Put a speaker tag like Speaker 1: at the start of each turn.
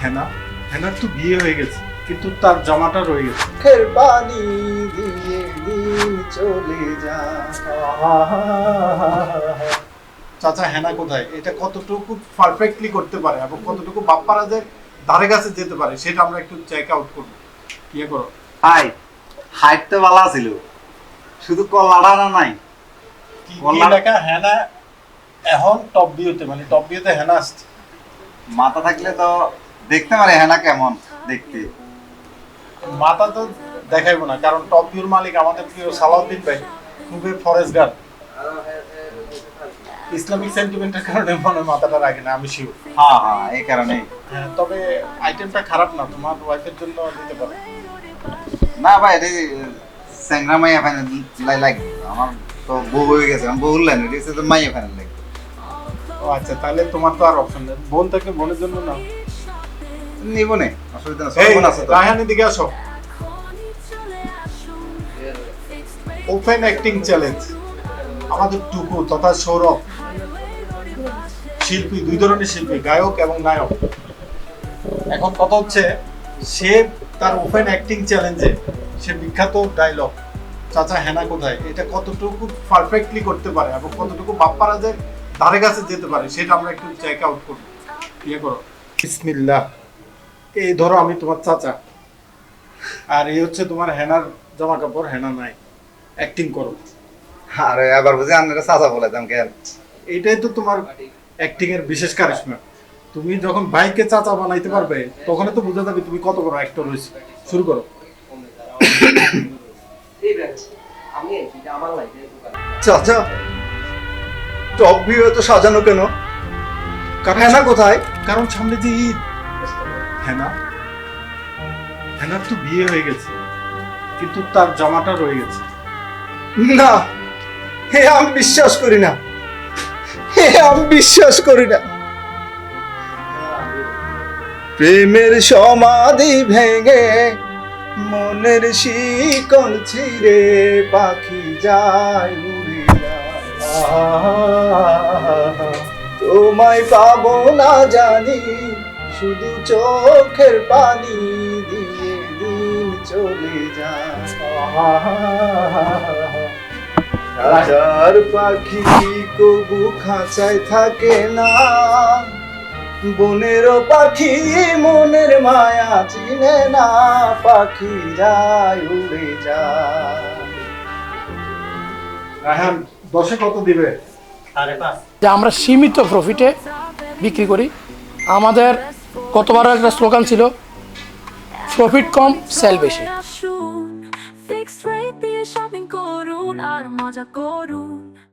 Speaker 1: হেনা হেনার তো বিয়ে হয়ে গেছে, কিন্তু তার জামাটা রয়ে গেছে।
Speaker 2: চোখের পানি দিয়ে দিন চলে যায়।
Speaker 1: চাচা হেনা কোথায়? এটা কতটুকু পারফেক্টলি করতে পারে এবং কতটুকু বাপ্পারাজের ধারে কাছে যেতে পারে সেটা আমরা একটু চেক আউট করবো। ইয়ে করো।
Speaker 3: হাই, হাইট তো ভালো ছিল, শুধু কল্লাটা নাই।
Speaker 1: কি
Speaker 3: বললাম-
Speaker 1: লেখা? হেনা এখন টপ ভিউতে, মানে টপ ভিউতে হেনা আসছে।
Speaker 3: মাথা থাকলে তো দেখতে পারে হ্যাঁ না কেমন দেখতে।
Speaker 1: মাথা তো দেখাইবো না, কারণ টপ ভিউর মালিক আমাদের প্রিয় সালাউদ্দিন ভাই, খুবই ফরেস্ট গার্ড। ইসলামিক সেন্টিমেন্টের কারণে মনে হয় মাথাটা রাখে না, আমি শিওর।
Speaker 3: হ্যাঁ হ্যাঁ, এই কারণেই।
Speaker 1: হ্যাঁ, তবে আইটেমটা খারাপ না, তোমার ওয়াইফের জন্য দিতে পারো।
Speaker 3: না ভাই, এটা স্যাংরা মাইয়া ফাইনাল লাগবে। আমার তো বউ হয়ে গেছে, আমি বউ লাইন এটা তো মাইয়া ফাইনাল লাগবে।
Speaker 1: ও আচ্ছা, তাহলে তোমার তো আর অপশন নেই। বোন থেকে বোনের জন্য না,
Speaker 3: নিব নে, অসুবিধা না।
Speaker 1: এই
Speaker 3: সব আছে তো।
Speaker 1: রায়হানের দিকে আসো। ওপেন অ্যাক্টিং চ্যালেঞ্জ আমাদের টুকু তথা সৌরভ, শিল্পী, দুই ধরনের শিল্পী, গায়ক এবং নায়ক। এখন কথা হচ্ছে, সে তার ওপেন অ্যাক্টিং চ্যালেঞ্জে সে বিখ্যাত ডায়লগ চাচা হেনা কোথায়, এটা কতটুকু পারফেক্টলি করতে পারে এবং কতটুকু বাপ্পারাজের ধারে কাছে যেতে পারে সেটা আমরা একটু চেক আউট করবো। ইয়ে করো। বিসমিল্লাহ। এই ধরো আমি তোমার চাচা, আর এই হচ্ছে তোমার হেনার জামা কাপড়, হেনা নাই, অ্যাক্টিং করো।
Speaker 3: আরে আবার বুঝি আপনারা চাচা বলাইতাম কেন?
Speaker 1: এইটাই তো তোমার অ্যাক্টিং এর বিশেষ কারিশমা। তুমি যখন ভাইকে চাচা বানাইতে পারবে তখন তো বোঝা যাবে তুমি কত বড় অ্যাক্টর হয়েছে। শুরু করো।
Speaker 2: চাচা, টপ ভিউ এত সাজানো কেন? হেনা কোথায়?
Speaker 1: কারণ সামনে যে ঈদ। হেনা হেনার তো বিয়ে হয়ে গেছে, কিন্তু তার জামাটা রয়ে গেছে।
Speaker 2: না, হে আমি বিশ্বাস করি না, হে আমি বিশ্বাস করি না। প্রেমের সমাধি ভেঙে মনের শিকল ছিঁড়ে পাখি যায় উড়ে যায়। তোমায় পাবো না জানি, শুধু চোখের পানি দিয়ে দিন চলে যায়। হাজার পাখি কবু খাঁচায় থাকে না, বনেরও পাখি মনের মায়া চিনে না, পাখি যায় উড়ে যায়।
Speaker 1: রায়হান 10-এ কত দিবে?
Speaker 4: যে আমরা সীমিত প্রফিটে বিক্রি করি। আমাদের গতবারও একটা স্লোগান ছিল, প্রফিট কম সেল বেশি।
Speaker 5: ফিক্সড রেট দিয়ে শপিং করুন আর মজা করুন।